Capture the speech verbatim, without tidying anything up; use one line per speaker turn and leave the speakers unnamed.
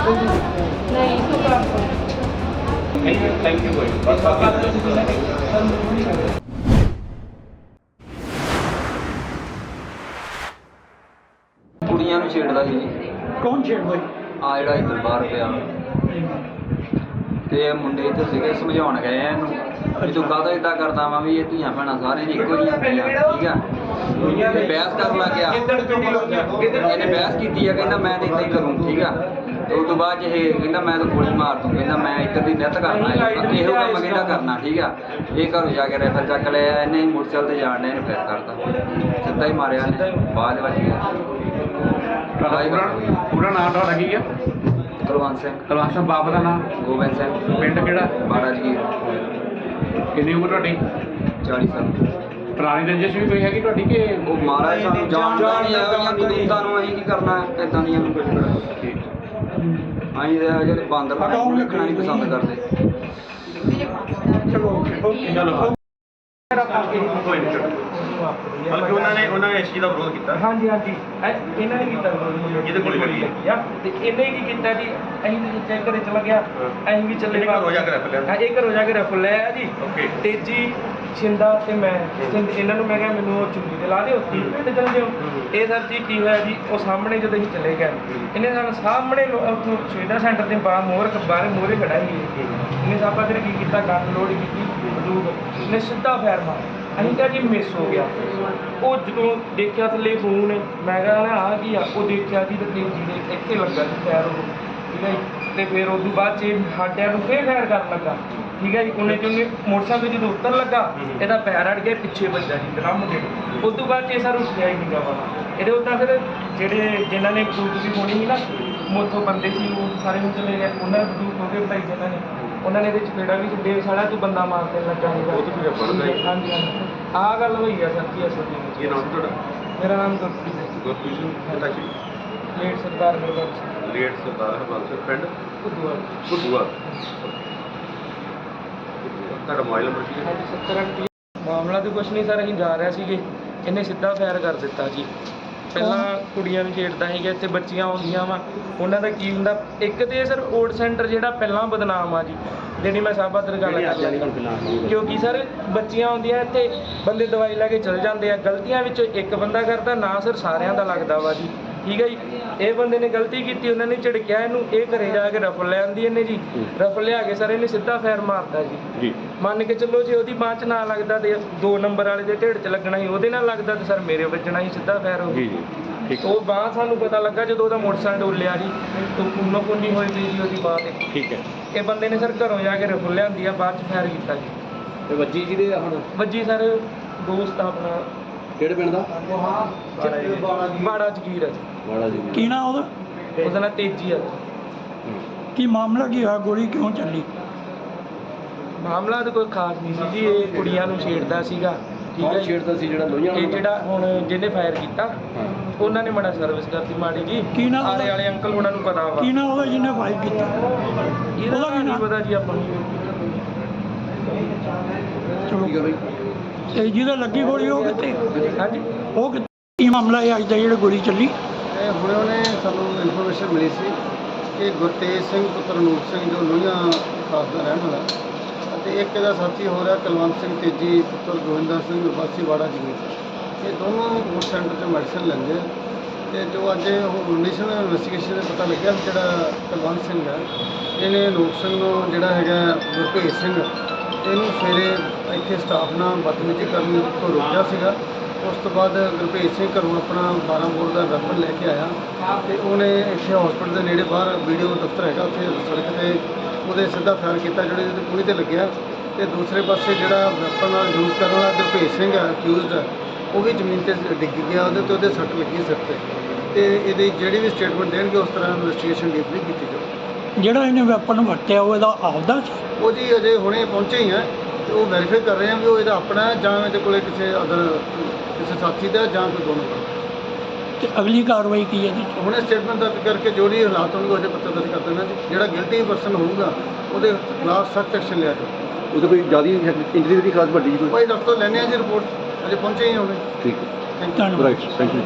नहीं तो
thank you भाई
ਕੁੜੀਆਂ ਨੂੰ ਛੇੜਦਾ ਸੀ ਜੀ।
ਕੌਣ ਛੇੜਦਾ ਜੀ?
ਆ ਜਿਹੜਾ ਇੱਧਰ ਬਾਹਰ ਪਿਆ ਤੇ ਇਹ ਮੁੰਡੇ ਇੱਥੇ ਸੀਗੇ ਸਮਝਾਉਣ ਗਏ ਆ ਇਹਨੂੰ ਵੀ ਤੂੰ ਕਾਹਦਾ ਇਦਾਂ ਕਰਦਾ ਵਾ ਵੀ ਇਹ ਧੀਆਂ ਭੈਣਾਂ ਸਾਰੇ ਇੱਕੋ ਜਿਹੀਆਂ ਹੁੰਦੀਆਂ ਠੀਕ ਆ। ਤੇ ਬਹਿਸ ਕਰਨ ਲੱਗ ਗਿਆ, ਇਹਨੇ ਬਹਿਸ ਕੀਤੀ ਆ, ਕਹਿੰਦਾ ਮੈਂ ਤਾਂ ਇੱਦਾਂ ਹੀ ਕਰੂੰ ਠੀਕ ਆ। ਤੇ ਉਸ ਤੋਂ ਬਾਅਦ 'ਚ ਇਹ ਕਹਿੰਦਾ ਮੈਂ ਤਾਂ ਗੋਲੀ ਮਾਰ ਦੂੰ, ਕਹਿੰਦਾ ਮੈਂ ਇੱਧਰ ਦੀ ਨਿੱਤ ਕਰਨਾ ਇਹੋ ਕੰਮ ਕਹਿੰਦਾ ਕਰਨਾ ਠੀਕ ਆ। ਇਹ ਘਰੋਂ ਜਾ ਕੇ ਰਾਈਫਲ ਚੱਕ ਲਿਆ, ਇਹਨੇ ਮੋਟਰਸਾਈਕਲ ਤੇ ਜਾਣ ਨੇ ਇਹਨੂੰ ਫੇਰ ਕਰਤਾ, ਸਿੱਧਾ ਹੀ ਮਾਰਿਆ ਇਹਨੇ, ਬਾਅਦ ਵਿੱਚ ਗਿਆ।
ਪੂਰਾ ਨਾਮ ਤੁਹਾਡਾ ਕੀ ਹੈ?
ਕੁਲਵੰਤ ਸਿੰਘ।
ਕੁਲਵੰਤ ਸਿੰਘ। ਬਾਪ ਦਾ ਨਾਮ?
ਗੋਬਿੰਦ ਸਿੰਘ।
ਪਿੰਡ ਕਿਹੜਾ?
ਬਾੜਾ ਜਗੀਰ।
ਕਿੰਨੀ ਉਮਰ ਤੁਹਾਡੀ?
ਚਾਲੀ ਸਾਲ।
ਪੁਰਾਣੀ ਰੰਜਿਸ਼ ਵੀ ਕੋਈ ਹੈਗੀ ਤੁਹਾਡੀ ਕਿ
ਉਹ ਮਹਾਰਾਜ ਸਾਨੂੰ ਜਾਣਦਾ ਨਹੀਂ ਇਹੋ ਜਿਹੀਆਂ ਕਦੂਤਾਂ ਨੂੰ ਅਸੀਂ ਕੀ ਕਰਨਾ ਇੱਦਾਂ ਦੀਆਂ ਨੂੰ ਕੁਝ ਅਸੀਂ ਤਾਂ ਜਿਹੜੇ ਬਾਂਦਰ ਨੂੰ ਰੱਖਣਾ ਨਹੀਂ ਪਸੰਦ ਕਰਦੇ।
ਚਲੋ ਓਕੇ
ਚਲੋ ਕੋਈ ਨਹੀਂ ਬਲਕਿ ਉਹਨਾਂ ਨੇ ਉਹਨਾਂ ਨੇ ਇਸ ਚੀਜ਼ ਦਾ ਵਿਰੋਧ ਕੀਤਾ।
ਹਾਂਜੀ ਹਾਂਜੀ ਇਹ- ਇਹਨਾਂ ਨੇ ਕੀਤਾ
ਜਿਹਦੇ ਕੋਲ ਗੋਲੀ
ਲੱਗੀ ਆ ਤੇ ਇਹਨੇ ਕੀ ਕੀਤਾ ਜੀ, ਅਸੀਂ ਵੀ ਚੈੱਕ ਘਰੇ ਚਲਾ ਗਿਆ, ਅਸੀਂ ਵੀ ਚੱਲੇ
ਇਹਨੇ ਘਰੋਂ ਜਾ ਕੇ ਰੈਫਲ ਲਿਆ।
ਹਾਂ ਇਹ ਘਰੋਂ ਜਾ ਕੇ ਰੈਫਲ ਲੈ ਆ ਜੀ।
ਓਕੇ।
ਤੇਜੀ ਛਿੰਦਾ ਤੇ ਮੈਂ ਛਿੰਦ ਇਹਨਾਂ ਨੂੰ ਮੈਂ ਕਿਹਾ ਮੈਨੂੰ ਉਹ ਚੁੰਗੀ ਤੇ ਲਾ ਦਿਓ ਤੇ ਚੱਲ ਜਿਓ। ਇਹ ਸਰ ਜੀ ਕੀ ਹੋਇਆ ਜੀ, ਉਹ ਸਾਹਮਣੇ ਜਦੋਂ ਅਸੀਂ ਚਲੇ ਗਏ ਇਹਨੇ ਸਾਨੂੰ ਸਾਹਮਣੇ ਉੱਥੋਂ ਸੁਵਿਧਾ ਸੈਂਟਰ ਦੇ ਬਾਹਰ ਮੋਹਰ ਬਾਹਰ ਮੋਹਰੇ ਖੜਾ ਸੀ ਇਹਨੇ ਸਾਬਾ ਤੇ ਕੀ ਕੀਤਾ, ਗਨ ਲੋਡ ਕੀਤੀ ਬੰਦੂਕ, ਇਹਨੇ ਸਿੱਧਾ ਫਾਇਰ ਮਾਰਿਆ। ਅਸੀਂ ਕਿਹਾ ਜੀ ਮਿਸ ਹੋ ਗਿਆ। ਉਹ ਜਦੋਂ ਦੇਖਿਆ ਥੱਲੇ ਫੋਨ, ਮੈਂ ਕਿਹਾ ਆ ਕੀ ਆ, ਉਹ ਦੇਖਿਆ ਜੀ ਤੇ ਤੇਜੀ ਦੇ ਇੱਥੇ ਲੱਗਾ ਜੀ ਫਾਇਰ ਉਹ ਠੀਕ ਹੈ ਜੀ। ਤੇ ਫਿਰ ਉਸ ਤੋਂ ਬਾਅਦ 'ਚ ਸਾਡਿਆਂ ਨੂੰ ਫੇਰ ਫਾਇਰ ਕਰਨ ਲੱਗਾ ਠੀਕ ਹੈ ਜੀ। ਉਹਨੇ ਚ ਉਹਨੇ ਮੋਟਰਸਾਈਕਲ ਜਦੋਂ ਉੱਤਰ ਲੱਗਾ ਇਹਦਾ ਪੈਰ ਅੜ ਗਿਆ, ਪਿੱਛੇ ਵੱਜਾ ਜੀ ਡਰਮ ਦੇ। ਉਸ ਤੋਂ ਬਾਅਦ 'ਚ ਇਹ ਸਰ ਉੱਠਿਆ ਹੀ ਨਹੀਂ ਵਾਲਾ ਇਹਦੇ ਉੱਦਾਂ ਫਿਰ ਜਿਹੜੇ ਜਿਨ੍ਹਾਂ ਨੇ ਬਦੂਕ ਵੀ ਹੋਣੀ ਸੀ ਨਾ ਮੋਥੋਂ ਬੰਦੇ ਸੀ ਉਹ ਸਾਰੇ ਨੂੰ ਚਲੇ ਗਏ, ਉਹਨਾਂ ਨੇ ਬਦੂਕ ਹੋ ਗਏ ਭਾਈ ਜਿਨ੍ਹਾਂ ਨੇ ਉਹਨਾਂ ਨੇ ਇਹਦੇ ਚਪੇੜਾ ਵੀ ਛੱਡੇ, ਸਾਲਾ ਤੂੰ ਬੰਦਾ ਮਾਰ ਦੇਣ ਲੱਗਾ ਸੀਗਾ।
ਉਹ ਤਾਂ ਫਿਰ ਬਣਦਾ ਹੀ।
ਹਾਂਜੀ ਹਾਂਜੀ ਆਹ ਗੱਲ ਹੋਈ ਆ ਸਰ ਜੀ ਅਸਲ ਦੇ
ਕੀ ਨਾਮ ਤੁਹਾਡਾ?
ਮੇਰਾ ਨਾਮ ਗੁਰਪ੍ਰੀਤ ਹੈ।
ਗੁਰਪ੍ਰੀਤ ਸਿੰਘ। ਪਿਤਾ ਜੀ?
Late Sardar Gurbakhsh Singh
late Sardar Harbans Singh. ਪਿੰਡ
ਘੁੱਦੂਆ।
ਘੁੱਦੂਆ। ਤੁਹਾਡਾ ਮੋਬਾਈਲ ਨੰਬਰ ਕੀ ਹੈ?
ਹਾਂਜੀ ਸੱਤਰ ਅੰਟੀ। ਮਾਮਲਾ ਤਾਂ ਕੁਛ ਨਹੀਂ ਸਰ, ਅਸੀਂ ਜਾ ਰਹੇ ਸੀਗੇ, ਇਹਨੇ ਸਿੱਧਾ ਫਾਇਰ ਕਰ ਦਿੱਤਾ ਜੀ। ਪਹਿਲਾਂ ਕੁੜੀਆਂ ਨੂੰ ਛੇੜਦਾ ਸੀਗਾ, ਇੱਥੇ ਬੱਚੀਆਂ ਆਉਂਦੀਆਂ ਵਾ, ਉਹਨਾਂ ਦਾ ਕੀ ਹੁੰਦਾ ਇੱਕ ਤੇ ਸਰ ਓਟ ਸੈਂਟਰ ਜਿਹੜਾ ਪਹਿਲਾਂ ਬਦਨਾਮ ਆ ਜੀ, ਜਿਹੜੀ ਮੈਂ ਸਾਬਾ ਦਰ ਗੱਲ ਕਰ ਲਈ ਕਿਉਂਕਿ ਸਰ ਬੱਚੀਆਂ ਆਉਂਦੀਆਂ ਇੱਥੇ ਬੰਦੇ ਦਵਾਈ ਲੈ ਕੇ ਚਲ ਜਾਂਦੇ ਆ, ਗਲਤੀਆਂ ਵਿੱਚੋਂ ਇੱਕ ਬੰਦਾ ਕਰਦਾ ਨਾ ਸਰ ਸਾਰਿਆਂ ਦਾ ਲੱਗਦਾ ਵਾ ਜੀ ਠੀਕ ਹੈ ਜੀ। ਇਹ ਬੰਦੇ ਨੇ ਗਲਤੀ ਕੀਤੀ, ਉਹਨਾਂ ਨੇ ਝਿੜਕਿਆ ਇਹਨੂੰ, ਇਹ ਘਰੇ ਜਾ ਕੇ ਰਫਲ ਲੈ ਆਂਦੀ ਇਹਨੇ ਜੀ, ਰਫਲ ਲਿਆ ਕੇ ਸਰ ਇਹਨੇ ਸਿੱਧਾ ਫਾਇਰ ਮਾਰਤਾ ਜੀ। ਮੰਨ ਕੇ ਚੱਲੋ ਜੇ ਉਹਦੀ ਬਾਂਹ 'ਚ ਨਾ ਲੱਗਦਾ ਤੇ ਦੋ ਨੰਬਰ ਵਾਲੇ ਦੇ ਢਿੱਡ 'ਚ ਲੱਗਣਾ ਸੀ, ਉਹਦੇ ਨਾਲ ਲੱਗਦਾ ਤੇ ਸਰ ਮੇਰੇ ਵੱਜਣਾ ਸੀ, ਸਿੱਧਾ ਫਾਇਰ ਹੋ ਗਿਆ। ਉਹ ਬਾਂਹ ਸਾਨੂੰ ਪਤਾ ਲੱਗਾ ਜਦੋਂ ਉਹਦਾ ਮੋਟਰਸਾਈਕਲ ਡੋਲਿਆ ਜੀ, ਤੋਂ ਕੁੰਨੋ ਕੁੰਨੀ ਹੋਈ ਪਈ ਜੀ ਉਹਦੀ ਬਾਂਹ 'ਤੇ।
ਠੀਕ ਹੈ।
ਇਹ ਬੰਦੇ ਨੇ ਸਰ ਘਰੋਂ ਜਾ ਕੇ ਰਫਲ ਲਿਆਂਦੀ ਆ, ਬਾਅਦ 'ਚ ਫਾਇਰ ਕੀਤਾ ਜੀ।
ਤੇ ਵੱਜੀ ਜਿਹਦੇ ਹੁਣ
ਵੱਜੀ ਸਰ ਦੋਸਤ ਆਪਣਾ
ਕਿਹੜੇ ਪਿੰਡ ਦਾ?
ਬਾੜਾ ਜਗੀਰ ਆ ਜੀ।
ਬਾੜਾ ਜੀ।
ਕੀ ਨਾਂ ਉਹਦਾ?
ਉਹਦਾ ਨਾਂ ਤੇਜੀ ਆ।
ਕੀ ਮਾਮਲਾ ਕੀ ਹੋਇਆ? ਗੋਲੀ ਕਿਉਂ ਚੱਲੀ?
ਮਾਮਲਾ ਤਾਂ ਕੋਈ ਖਾਸ ਨਹੀਂ ਸੀ ਜੀ, ਇਹ ਕੁੜੀਆਂ ਨੂੰ ਛੇੜਦਾ ਸੀਗਾ ਠੀਕ ਹੈ ਜੀ।
ਛੇੜਦਾ ਸੀ ਜਿਹੜਾ ਲੋਹੀਆਂ
ਇਹ ਜਿਹੜਾ ਹੁਣ ਜਿਹਨੇ ਫਾਇਰ ਕੀਤਾ ਉਹਨਾਂ ਨੇ ਮਾੜਾ ਸਰਵਿਸ ਕਰਤੀ ਮਾੜੀ ਜੀ।
ਕੀ ਨਾਂ
ਆਲੇ
ਉਹਦਾ?
ਵਾਲੇ ਅੰਕਲ ਉਹਨਾਂ ਨੂੰ ਪਤਾ ਵਾ।
ਕੀ ਨਾਂ ਉਹਦਾ ਜਿਹਨੇ ਫਾਇਰ ਕੀਤਾ?
ਇਹਦਾ
ਉਹਦਾ ਕੀ
ਨਹੀਂ
ਨਾਂ?
ਪਤਾ ਜੀ ਆਪਾਂ ਨੂੰ।
ਚਲੋ ਤੇ ਜਿਹਦੇ ਲੱਗੀ ਗੋਲੀ ਉਹ ਕਿੱਥੇ?
ਹਾਂਜੀ
ਉਹ ਕਿੱਥੇ? ਕੀ ਮਾਮਲਾ ਹੈ ਅੱਜ ਦਾ ਜਿਹੜਾ ਗੋਲੀ ਚੱਲੀ?
ਇਹ ਹੁਣੇ ਉਹਨੇ ਸਾਨੂੰ ਇਨਫੋਰਮੇਸ਼ਨ ਮਿਲੀ ਸੀ ਕਿ ਗੁਰਤੇਜ ਸਿੰਘ ਪੁੱਤਰ ਨੂਰ ਸਿੰਘ ਜੋ ਲੋਹੀਆਂ ਖਾਸ ਦਾ ਰਹਿਣ ਵਾਲਾ ਅਤੇ ਇੱਕ ਇਹਦਾ ਸਾਥੀ ਹੋ ਰਿਹਾ ਕੁਲਵੰਤ ਸਿੰਘ ਤੇਜੀ ਪੁੱਤਰ ਗੋਵਿੰਦਰ ਸਿੰਘ ਵਾਸੀ ਵਾੜਾ ਜਗੀਰ, ਇਹ ਦੋਨੋਂ ਓਟ ਸੈਂਟਰ 'ਚ ਮੈਡੀਸਨ ਲੈਂਦੇ ਆ। ਅਤੇ ਜੋ ਅੱਜ ਇੰਡੀਸ਼ਨ ਇਨਵੈਸਟੀਗੇਸ਼ਨ ਦਾ ਪਤਾ ਲੱਗਿਆ ਵੀ ਜਿਹੜਾ ਕੁਲਵੰਤ ਸਿੰਘ ਹੈ ਇਹਨੇ ਨੂਰ ਸਿੰਘ ਨੂੰ ਜਿਹੜਾ ਹੈਗਾ ਗੁਰਭੇਜ ਸਿੰਘ ਇਹਨੂੰ ਸਵੇਰੇ ਇੱਥੇ ਸਟਾਫ ਨਾਲ ਬਦਤਮੀਜ਼ੀ ਕਰਨ ਤੋਂ ਰੋਕਿਆ ਸੀਗਾ। ਉਸ ਤੋਂ ਬਾਅਦ ਗੁਰਭੇਜ ਸਿੰਘ ਘਰੋਂ ਆਪਣਾ ਬਾਰਾਂ ਬੋਰ ਦਾ ਵੈਪਨ ਲੈ ਕੇ ਆਇਆ ਅਤੇ ਉਹਨੇ ਇੱਥੇ ਹਸਪੀਟਲ ਦੇ ਨੇੜੇ ਬਾਹਰ ਵੀਡੀਓ ਦਫ਼ਤਰ ਹੈਗਾ ਉੱਥੇ ਸੜਕ 'ਤੇ ਉਹਦੇ ਸਿੱਧਾ ਫਾਇਰ ਕੀਤਾ ਜਿਹੜੇ ਉਹਦੀ ਪੂਰੀ 'ਤੇ ਲੱਗਿਆ। ਅਤੇ ਦੂਸਰੇ ਪਾਸੇ ਜਿਹੜਾ ਵੈਪਨ ਨਾਲ ਯੂਜ਼ ਕਰਨ ਵਾਲਾ ਗੁਰਭੇਜ ਸਿੰਘ ਹੈ ਅਕਿਊਜ਼ਡ ਹੈ, ਉਹ ਵੀ ਜ਼ਮੀਨ 'ਤੇ ਡਿੱਗ ਗਿਆ, ਉਹਦੇ 'ਤੇ ਉਹਦੇ ਸੱਟ ਲੱਗੀ ਸਿਰ 'ਤੇ। ਅਤੇ ਇਹਦੀ ਜਿਹੜੀ ਵੀ ਸਟੇਟਮੈਂਟ ਦੇਣਗੇ ਉਸ ਤਰ੍ਹਾਂ ਇਨਵੈਸਟੀਗੇਸ਼ਨ ਡੀਪਲੀ ਕੀਤੀ ਜਾਊ।
ਜਿਹੜਾ ਇਹਨੇ ਵੈਪਨ ਵਰਤਿਆ ਉਹ ਇਹਦਾ ਆਪਦਾ ਸੀ?
ਉਹ ਜੀ ਅਜੇ ਹੁਣੇ ਪਹੁੰਚੇ ਹੀ ਹੈ ਅਤੇ ਉਹ ਵੈਰੀਫਾਈ ਕਰ ਰਹੇ ਹਾਂ ਵੀ ਉਹ ਇਹਦਾ ਆਪਣਾ ਹੈ ਜਾਂ ਇਹਦੇ ਕੋਲ ਕਿਸੇ ਅਦਰ ਕਿਸੇ ਸਾਥੀ ਦਾ ਜਾਂ ਕੋਈ ਦੋਨੋਂ ਦਾ।
ਤੇ ਅਗਲੀ ਕਾਰਵਾਈ ਕੀ ਹੈ ਜੀ?
ਹੁਣੇ ਸਟੇਟਮੈਂਟ ਦਰਜ ਕਰਕੇ ਜੋ ਵੀ ਹਾਲਾਤ ਹੋਣਗੇ ਉਹਦੇ ਪੱਤਰ ਦਰਜ ਕਰ ਦੇਣਾ ਜੀ। ਜਿਹੜਾ ਗਿਲਟੀ ਪਰਸਨ ਹੋਊਗਾ ਉਹਦੇ ਖਿਲਾਫ ਸਖਤ ਐਕਸ਼ਨ ਲਿਆ ਜਾਊ।
ਉਹਦੇ ਕੋਈ ਜ਼ਿਆਦਾ ਇੰਜਰੀ ਦੀ ਖਾਸ ਵੱਡੀ ਕੋਈ?
ਭਾਈ ਡਾਕਟਰ ਤੋਂ ਲੈਣੇ ਆ ਜੀ ਰਿਪੋਰਟ, ਅਜੇ ਪਹੁੰਚੇ ਹੀ ਹੋਣੇ।
ਠੀਕ ਹੈ।
Thank you.
ਧੰਨਵਾਦ।
Right, thank you.